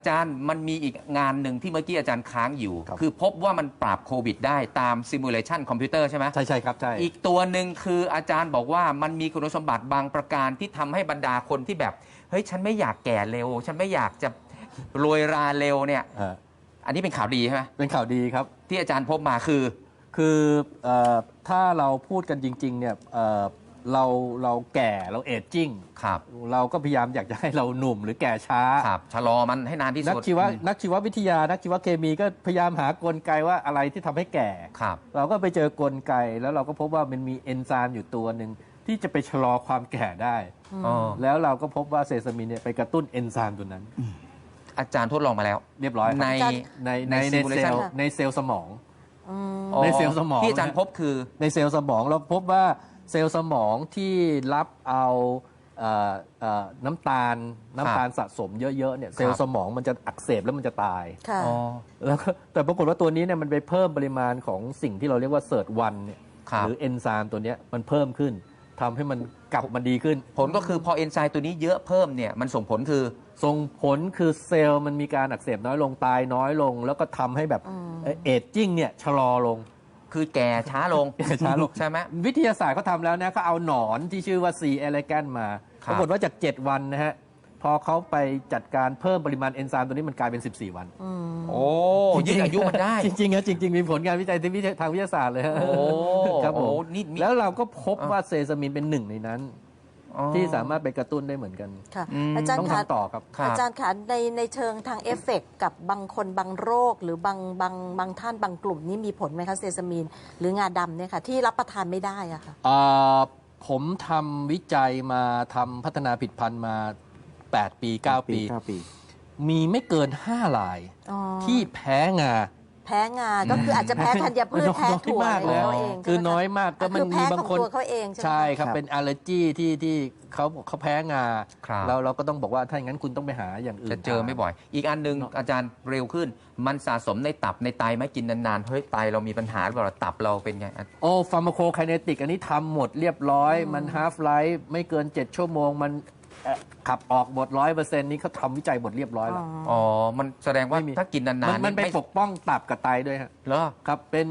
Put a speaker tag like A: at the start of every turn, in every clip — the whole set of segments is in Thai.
A: อาจารย์มันมีอีกงานหนึ่งที่เมื่อกี้อาจารย์ค้างอยู่
B: ครับ
A: คือพบว่ามันปราบโควิดได้ตามซิมูเลชันคอมพิวเตอร์ใช่ไหม
B: ใช่ครับใช่
A: อีกตัวหนึ่งคืออาจารย์บอกว่ามันมีคุณสมบัติบางประการที่ทำให้บรรดาคนที่แบบเฮ้ยฉันไม่อยากแก่เร็ว ฉันไม่อยากจะรวยราเร็วเนี่ยอันนี้เป็นข่าวดีใช่ไหม
B: เป็นข่าวดีครับ
A: ที่อาจารย์พบมาคือ
B: ถ้าเราพูดกันจริงๆเนี่ยเราแก่เราเอจจิ้ง
A: ครับ
B: เราก็พยายามอยากจะให้เราหนุ่มหรือแก่ช้า
A: ครับชะลอมันให้นานที่
B: นั
A: สุ
B: ก
A: ด
B: ชีววิทยานักชีวเคมีก็พยายามหากลไกว่าอะไรที่ทำให้แก่
A: ครับ
B: เราก็ไปเจอกลไกแล้วเราก็พบว่ามันมีเอนไซม์อยู่ตัวหนึ่งที่จะไปชะลอความแก่ได้
A: อ๋อ
B: แล้วเราก็พบว่าเซซามินเนี่ยไปกระตุ้นเอนไซม์ตัวนั้น
A: อาจารย์ทดลองมาแล้ว
B: เรียบร้อยครับ
A: ใน
B: ในเซล
A: simulation
B: ล์ในเซลล์สมอง
A: อ๋อ
B: ในเซลล์สมอง
A: ที่อาจารย์พบคือ
B: ในเซลล์สมองเราพบว่าเซลล์สมองที่รับเอาน้ำตาลสะสมเยอะๆเนี่ยเซลล์สมองมันจะอักเสบแล้วมันจะตาย
C: ค่ะ
A: อ๋อ
B: แล้วก็แต่ปรากฏว่าตัวนี้เนี่ยมันไปเพิ่มปริมาณของสิ่งที่เราเรียกว่าเซิร์ตวันเนี่ย
A: ครับ
B: หรือเอนไซม์ตัวเนี้ยมันเพิ่มขึ้นทำให้มันกลับมาดีขึ้น
A: ผลก็คือพอเอนไซม์ตัวนี้เยอะเพิ่มเนี่ยมันส่งผลคือ
B: ส่งผลคือเซลล์มันมีการอักเสบน้อยลงตายน้อยลง แล้วก็ทำให้แบบเอจจิ้งเนี่ยชะลอลง
A: คือแก่ช้าลง
B: ช้าลง
A: ใช่ไหม
B: วิทยาศาสตร์เขาทำแล้วนะเขาเอาหนอนที่ชื่อว่า C. elegans มา
A: ครั
B: ป
A: บ
B: รากฏว่าจาก 7 วันนะฮะ พอเขาไปจัดการเพิ่มปริมาณเอนไซม์ตัวนี้มันกลายเป็น 14 วัน
A: โอ้ยืดอายุมันได้
B: จริงๆนะจริง ๆ มีผลงานวิจัยทางวิทยาศาสตร์เลยฮะ
A: โอ้
B: ครับผม
A: โอ้นี่มี
B: แล้วเราก็พบว่าเซซามินเป็นหนึ่งในนั้น
A: อ๋อ
B: ที่สามารถไปกระตุ้นได้เหมือนกัน
C: ค่ะ
A: อืม
C: อาจารย์
B: ต้อง
C: คะ
B: ทำต่อครับ
A: ครับ
C: อาจารย์คะในเชิงทางเอฟเฟกต์กับบางคนบางโรค หรือบางท่านบางกลุ่มนี้มีผลไหมคะเซซามีนหรืองาดำเนี่ยค่ะที่รับประทานไม่ได้อะค่ะ
B: ผมทำวิจัยมาทำพัฒนาผลิตภัณฑ์มา 8 ปี 9 ปี มีไม่เกิน 5 ราย
C: อ๋อ
B: ที่แพ้งา
C: แพ้งา ก็คืออาจจะแพ้ธัญพืช
B: น้อย
C: แพ้ถั่ว
B: มาก
C: อะไร
B: เลย
C: เขาเอง
B: คือ
C: ใช่ไหมะ
B: น้อยมากก็มัน
C: คือแพ้
B: มีบาง
C: ของ
B: คน
C: ตัวเขาเองใช่ไหม
B: ใช่ครับ
D: ครับ
B: เป็นอัลเลอร์จีที่เขาแพ้งา
A: ครับ
B: เราก็ต้องบอกว่าถ้าอย่างนั้นคุณต้องไปหาอย่างอื่น
A: จะเจอไม่บ่อย อีกอันหนึงอาจารย์เร็วขึ้น มันสะสมในตับในไตไหมกินนานๆ เฮ้ยไตเรามีปัญหาหรือเปล่าตับเราเป็นไง
B: โอ้ฟาร์มาโคไคเนติกอันนี้ทำหมดเรียบร้อย มันฮาฟไลฟ์ไม่เกิน 7 ชั่วโมง มันขับออกหมด 100%นี้เขาทำวิจัยหมดเรียบร้อยแล้ว
A: อ๋อ มันแสดงว่า
B: ไม่มี
A: ถ้ากินนานๆ
B: มันไป
A: ไม่
B: ปกป้องตับกับไตด้วยฮะ
A: เหรอ
B: ครับ เป็น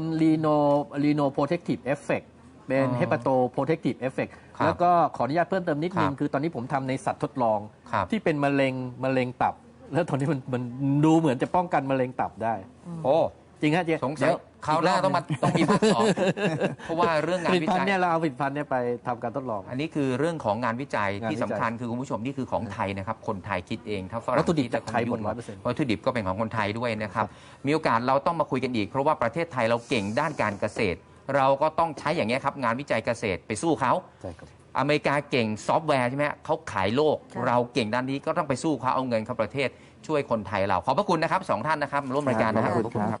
B: Reno Protective Effect เป็น
A: อ๋อ
B: Hepato Protective Effect
A: ครับ
B: แล้วก็ขออนุญาตเพิ่มเติมนิดนึ
A: ค
B: ง
A: รับ
B: คือตอนนี้ผมทำในสัตว์ทดลอง
A: ครับ
B: ที่เป็นมะเร็งตับ แล้วตอนนี้มันดูเหมือนจะป้องกันมะเร็งตับได้
A: โอ้
B: จริงฮะเจ๊
A: สงสัยคราวหน้าต้องมีภาคสองเพราะว่าเรื่องงา
B: ผ
A: น
B: ลิต
A: วิ
B: ภัณ
A: จั
B: ฑ์
A: ย
B: เนี่ยเราเอาผลิตภัณฑ์เนี่ยไปทำการทดลอง
A: อันนี้คือเรื่องของงานวิจัย
B: งานวิจัย
A: ที่สำคัญคือคุณผู้ชมนี่คือของไทยนะครับ คนไทยคิดเองถ้าฝรั่ง
B: วัตถุดิบ
A: คิ
B: จากไทยหมด
A: จะ
B: 100%
A: วัตถุดิบก็เป็นของคนไทยด้วยนะครับ มีโอกาสเราต้องมาคุยกันอีก เพราะว่าประเทศไทยเราเก่งด้านการเกษตร เราก็ต้องใช้อย่างนี้ยครับงานวิจัยเกษตรไปสู้เขา
B: ใช่ครับ
A: อเมริกาเก่งซอฟต์แวร์ใช่ไหมเขาขายโลก
C: ค่ะ
A: เราเก่งด้านนี้ก็ต้องไปสู้เขาเอาเงินเข้าประเทศช่วยคนไทยเราขอบพระคุณนะครับสองท่านนะครับมาร่วมรายการนะครับ
D: ขอบคุณครับ